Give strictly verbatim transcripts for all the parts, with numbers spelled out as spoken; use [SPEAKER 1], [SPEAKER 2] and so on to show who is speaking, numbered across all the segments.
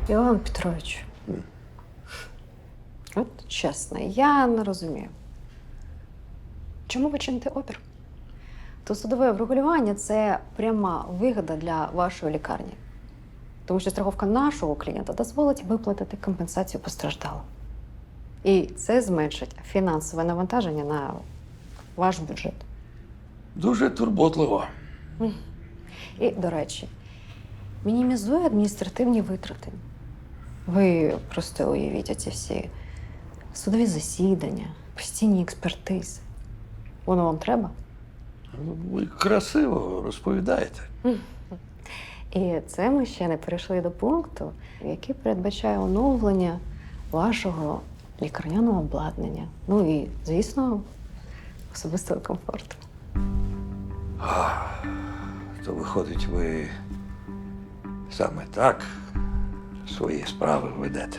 [SPEAKER 1] Іван Петрович, от чесно, я не розумію. Чому ви чините опір? То судове врегулювання – це пряма вигода для вашої лікарні. Тому що страховка нашого клієнта дозволить виплатити компенсацію постраждалим. І це зменшить фінансове навантаження на ваш бюджет.
[SPEAKER 2] Дуже турботливо.
[SPEAKER 1] І, до речі, мінімізує адміністративні витрати. Ви просто уявіть оці всі судові засідання, постійні експертизи. Воно вам треба?
[SPEAKER 2] Ви красиво розповідаєте.
[SPEAKER 1] І це ми ще не перейшли до пункту, який передбачає оновлення вашого лікарняного обладнання. Ну і, звісно, особистого комфорту.
[SPEAKER 2] То виходить, ви саме так свої справи ведете.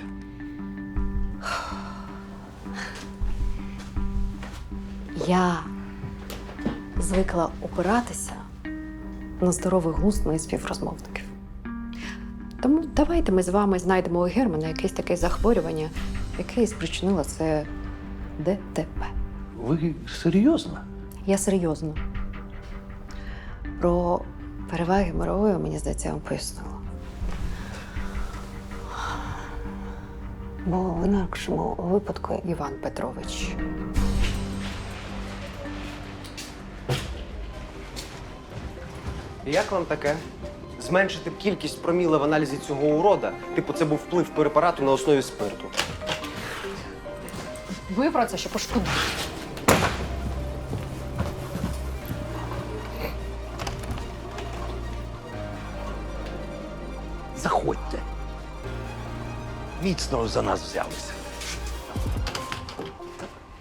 [SPEAKER 1] Я звикла опиратися на здоровий глузд моїх співрозмовників. Тому давайте ми з вами знайдемо у Германа якесь таке захворювання, яке і спричинило це ДТП.
[SPEAKER 2] Ви серйозно?
[SPEAKER 1] Я серйозно. Про переваги мирової, мені здається, я вам пояснила. Бо в інакшому випадку, Іван Петрович,
[SPEAKER 3] Як вам таке? Зменшити б кількість проміла в аналізі цього урода, типу це був вплив препарату на основі спирту.
[SPEAKER 1] ви про це ще пошкодуєте.
[SPEAKER 2] Заходьте. Міцно за нас взялися.